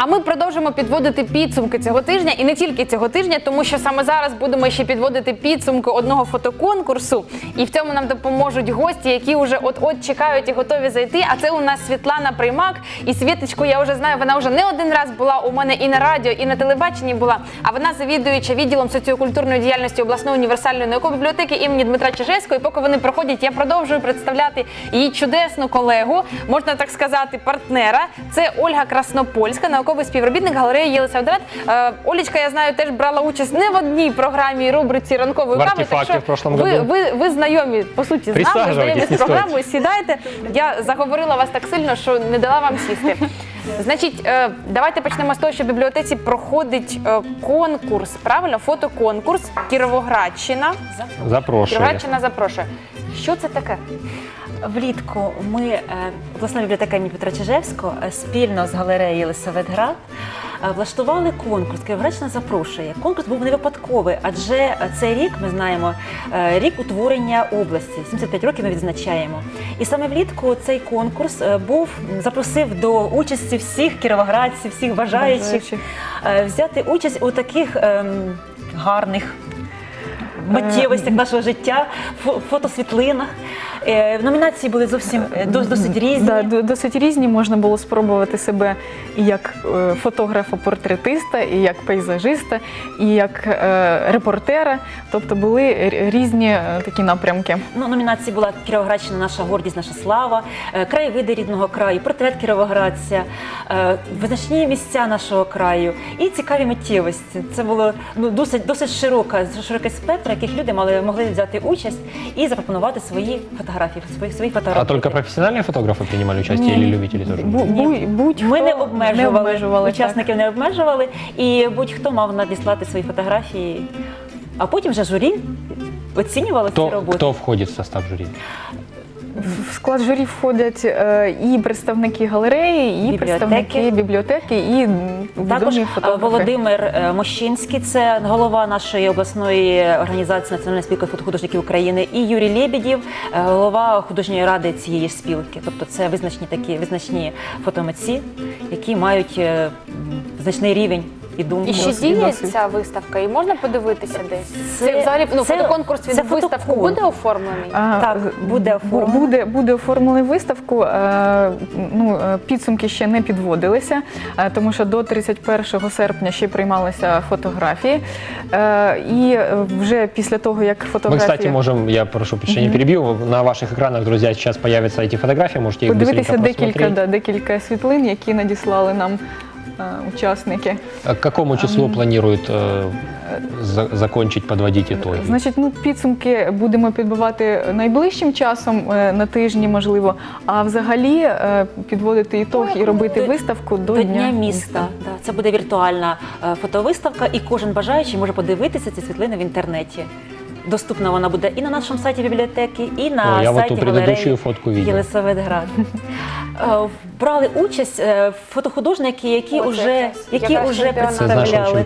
А ми продовжимо підводити підсумки цього тижня, і не тільки цього тижня, тому що саме зараз будемо ще підводити підсумки одного фотоконкурсу. І в цьому нам допоможуть гості, які вже от-от чекають і готові зайти. А це у нас Світлана Приймак. І Світочку я вже знаю, вона вже не один раз була у мене і на радіо, і на телебаченні була. А вона завідуюча відділом соціокультурної діяльності обласної універсальної наукової бібліотеки імені Дмитра Чижевського. І поки вони проходять, я продовжую представляти її чудесну колегу, можна так сказати, партнера. Це Ольга Краснопольська, науковий співробітник галереї Єлисаветград. Олечка, я знаю, теж брала участь не в одній програмі рубриці «Ранкової кави». Так що в прошлом году. ви знайомі, по суті, з нами, знайомі з програмою. Сідайте. Я заговорила вас так сильно, що не дала вам сісти. Значить, давайте почнемо з того, що в бібліотеці проходить конкурс, правильно? Фотоконкурс «Кіровоградщина». Кіровоградщина запрошує. Що це таке? Влітку ми, обласна бібліотека імені Дмитра Чижевського, спільно з галереєю Єлисаветград влаштували конкурс «Кіровоградщина запрошує». Конкурс був не випадковий, адже цей рік, ми знаємо, рік утворення області. 75 років ми відзначаємо. І саме влітку цей конкурс запросив до участі всіх кіровоградців, всіх бажаючих взяти участь у таких гарних миттєвостях нашого життя, фотосвітлинах. Номінації були зовсім досить різні. Досить різні. Можна було спробувати себе і як фотографа-портретиста, і як пейзажиста, і як репортера. Тобто були різні такі напрямки. Номінації була «Кіровоградщина – наша гордість, наша слава», «Краєвиди рідного краю», «Портрет кіровоградця», «Визначні місця нашого краю» і «Цікаві миттєвості». Це було досить широкий спектр, яких люди могли взяти участь і запропонувати свої фотографії. А только профессиональные фотографы принимали участие или любители тоже? Ми не обмежували, учасників не обмежували, і будь-хто мав надіслати свої фотографії, а потім вже журі оцінювало ці роботи. Хто входить в состав журі? В склад журі входять і представники галереї, і представники бібліотеки, і відомі фотографи. Володимир Мощинський, це голова нашої обласної організації Національної спілки фотохудожників України, і Юрій Лебедєв, голова художньої ради цієї ж спілки. Тобто це визначні фотомитці, які мають значний рівень і думку. І ще діє ця виставка, і можна подивитися десь? Це взагалі, фотоконкурс, він виставку буде оформлений? Так, буде оформлений. Буде оформлений виставку. Підсумки ще не підводилися, тому що до 31 серпня ще приймалися фотографії. І вже після того, як фотографії... Мы, кстати, можем, я прошу прощения, перебью, на ваших экранах, друзья, сейчас появятся эти фотографии, можете их быстренько просмотреть. Декілька світлин, які надіслали нам учасники. А к какому числу планируют закончить, подводить итоги? Значить, підсумки будемо підбивати найближчим часом, на тижні, можливо, а взагалі підводити ітог і робити виставку до Дня міста. Це буде віртуальна фотовиставка, і кожен бажаючий може подивитися ці світлини в інтернеті. Доступна вона буде і на нашому сайті бібліотеки, і на сайті галереї Єлисаветград. Брали участь фотохудожники, які вже представляли.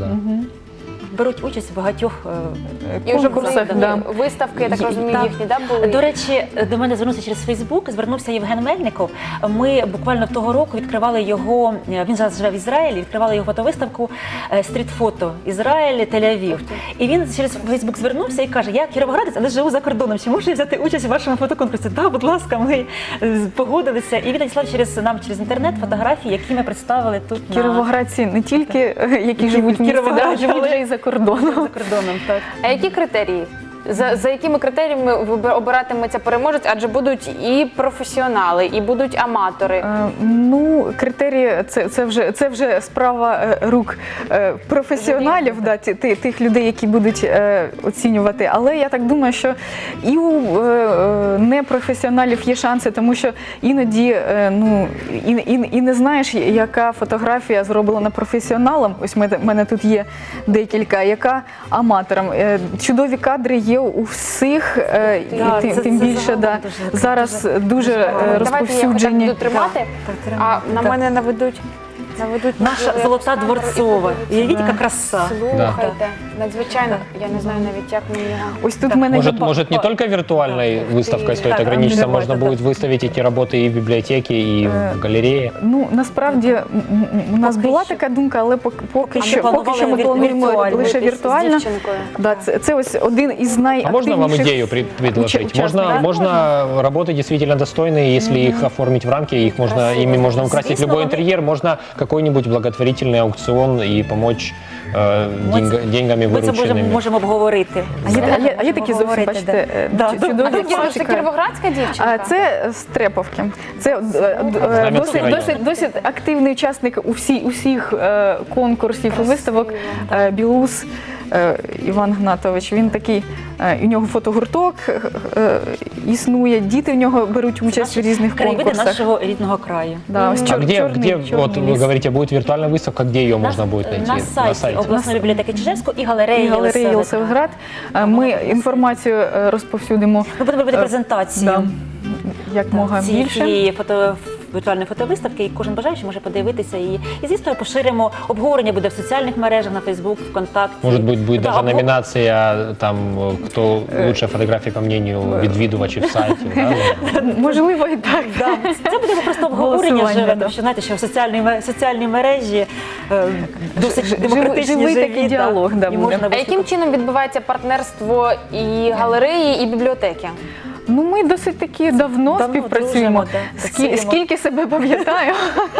Беруть участь в багатьох конкурсах. Виставки, я так розумію, їхні були? До речі, до мене звернувся через Фейсбук, звернувся Євген Мельников. Ми буквально того року відкривали його, він зараз живе в Ізраїлі, відкривали його фотовиставку «Стрітфото. Ізраїль, Тель-Авів». І він через Фейсбук звернувся і каже: я кіровоградець, але живу за кордоном, чи можу я взяти участь у вашому фотоконкурсі? Так, будь ласка, ми погодилися. І він надіслав нам через інтернет фотографії, які ми представили тут. Кіровоградці не тільки, які живуть в місті, але й за кордоном. Так. А які критерії? За якими критеріями обиратиметься переможець? Адже будуть і професіонали, і будуть аматори. Критерії це вже справа рук професіоналів, тих людей, які будуть оцінювати. Але я так думаю, що і у непрофесіоналів є шанси, тому що іноді і не знаєш, яка фотографія зроблена професіоналом. Ось в мене тут є декілька, яка аматором. Чудові кадри є у всіх, тим більше зараз дуже розповсюджені. Давайте я буду тримати, а на мене наведуть. Наведуть Наша можливо, золота камеру і дворцова. подивитися. Уявіть, яка краса. Слухайте, надзвичайно, я не знаю навіть, як мені його. Ось тут в мене є Может, не только виртуальной выставкой стоит Так, ограничиться, да, можно да. будет выставить эти работы и в библиотеке, и в галерее. Ну, насправді у нас Поки була що. така думка, але поки ми що планували ми плануємо віртуально. лише З віртуально. дівчинкою. Да, це ось один із А можно вам найактивніших идею предложить? участников. Можно работы действительно достойные, если их оформить в рамки, их можно, ими можно украсить Звісно, любой вони- интерьер, можно какой-нибудь благотворительный аукцион и помочь деньгами Ми це вырученными. можемо обговорити. А є такі зовсім, бачите, Да. А це дівчинка, це кіровоградська дівчинка? А це з Треповки. Це Знам'янський район. досить активний учасник усіх конкурсів і виставок. Білус Іван Гнатович. Він такий, у нього фотогурток існує, діти в нього беруть участь в різних краєвиди конкурсах. нашого рідного краю. Да, ось А где, чорний вот вы ліс. говорите, будет виртуальная выставка, где ее можно будет найти? На сайті обласної бібліотеки Чижевського і галереї І галереї Єлисаветград. Єлисаветград. Ми інформацію розповсюдимо Ми будемо робити презентацію. да, як мога більше. цієї віртуальної фотовиставки, і кожен бажаючий може подивитися її. І, звісно, поширимо. Обговорення буде в соціальних мережах, на Фейсбук, ВКонтакті. Может быть, будет Да, даже номинация, там, кто лучшая фотография, по мнению відвідувачів сайтів. Да? Можливо, і так. Да. Це буде просто обговорення Голосування, живе, да. тому що знаєте, що в соціальні мережі досить демократичні, живий живі, такий діалог, да, і буде. можна А яким чином відбувається партнерство і галереї, і бібліотеки? Ну, ми досить таки давно Давно співпрацюємо. дружимо, да, працюємо. Скільки себе пам'ятаю.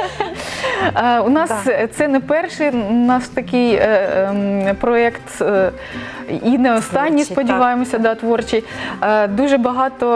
У нас це не перший наш такий проєкт, і не останній, Творчий, сподіваємося, да, творчий. Дуже багато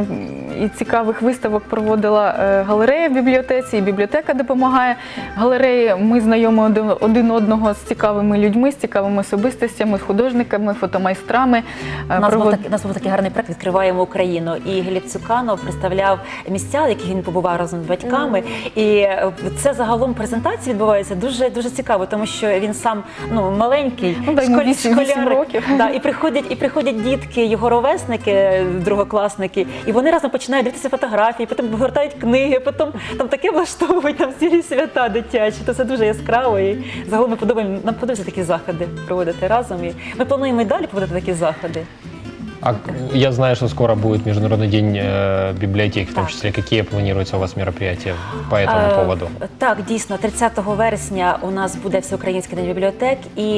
і цікавих виставок проводила галерея в бібліотеці, і бібліотека допомагає галереї. Ми знайомі один одного з цікавими людьми, з цікавими особистостями, з художниками, фотомайстрами. У нас був такий гарний проект «Відкриваємо Україну». І Гліб Цуканов представляв місця, в яких він побував разом з батьками. І це загалом презентація відбувається дуже цікаво, тому що він сам маленький, Ну, да, йому 8 років. Да, і приходять дітки, його ровесники, другокласники, і вони разом починають дивитися фотографії, потім повертають книги, потім там таке влаштовують, там цілі свята дитячі. То це дуже яскраво. І загалом нам подобається такі заходи проводити разом. І ми плануємо і далі проводити такі заходи. А я знаю, что скоро будет Международный день библиотек, в том числе. Какие планируются у вас мероприятия по этому поводу? Так, дійсно, 30 вересня у нас буде Всеукраїнський день бібліотек, і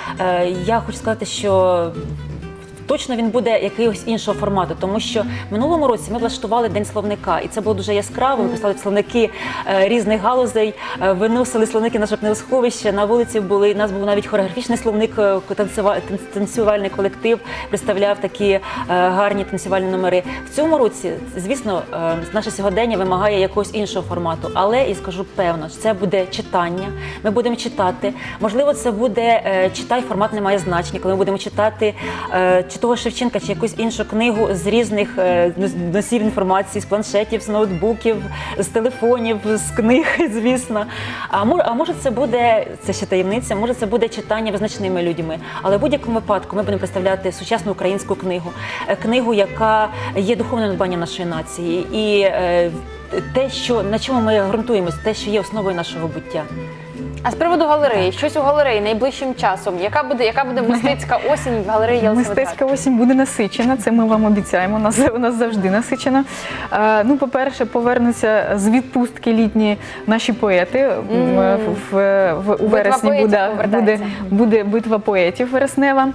я хочу сказати, що точно він буде якогось іншого формату, тому що в минулому році ми влаштували День словника, і це було дуже яскраво. Ми писали словники різних галузей, виносили словники на жовтневосховище, на вулиці були, у нас був навіть хореографічний словник, танцювальний колектив представляв такі гарні танцювальні номери. В цьому році, звісно, наше сьогодення вимагає якогось іншого формату, але, і скажу певно, це буде читання, ми будемо читати. Можливо, це буде читай, формат не має значення, коли ми будемо читати чи того Шевченка, чи якусь іншу книгу з різних носів інформації, з планшетів, з ноутбуків, з телефонів, з книг, звісно. А може це буде, це ще таємниця, може це буде читання визначними людьми. Але в будь-якому випадку ми будемо представляти сучасну українську книгу. Книгу, яка є духовним надбанням нашої нації. І те, на чому ми ґрунтуємося, те, що є основою нашого буття. А з приводу галереї, щось у галереї найближчим часом. Яка буде мистецька осінь в галереї Єлисаветград? Мистецька осінь буде насичена, це ми вам обіцяємо, у нас завжди насичена. Ну, по-перше, повернуться з відпустки літні наші поети. У вересні буде битва поетів вереснева.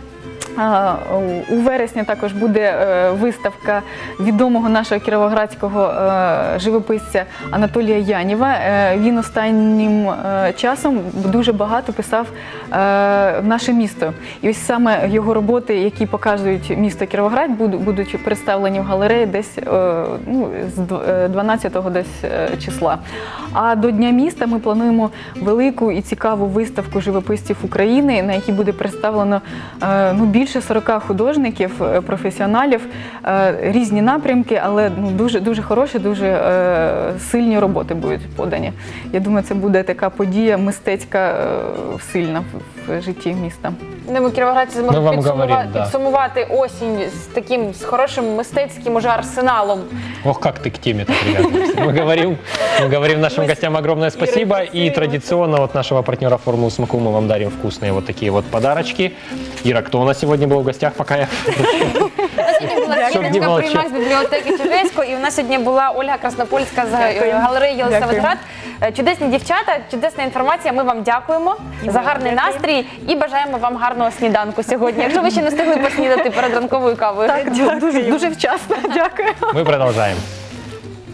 У вересні також буде виставка відомого нашого кіровоградського живописця Анатолія Яніва. Він останнім часом дуже багато писав наше місто. І ось саме його роботи, які показують місто Кіровоград, будуть представлені в галереї десь з 12-го десь числа. А до Дня міста ми плануємо велику і цікаву виставку живописців України, на якій буде представлено більше 40 художників, професіоналів, різні напрямки, але дуже хороші, дуже сильні роботи будуть подані. Я думаю, це буде така подія мистецька сильна в житті міста. Думаю, кіровоградці Ми зможуть вам говоримо, да. підсумувати осінь з хорошим мистецьким уже арсеналом. Ох, как ты к теме-то привязываешься. Мы говорим нашим гостям огромное спасибо. И традиционно от нашего партнера «Формулы Смаку» мы вам дарим вкусные вот такие вот подарочки. Ира, кто у нас сегодня был в гостях, пока я... Сьогодні була Щоб не Іринка молчать. Приймак з бібліотеки Чижевського, і у нас сьогодні була Ольга Краснопольська з галереї Єлисаветград. Чудесні дівчата, чудесна інформація. Ми вам дякуємо за гарний настрій і бажаємо вам гарного сніданку сьогодні. Якщо ви ще не встигли поснідати перед ранковою кавою. Так, дуже вчасно. Дякую. Мы продолжаем.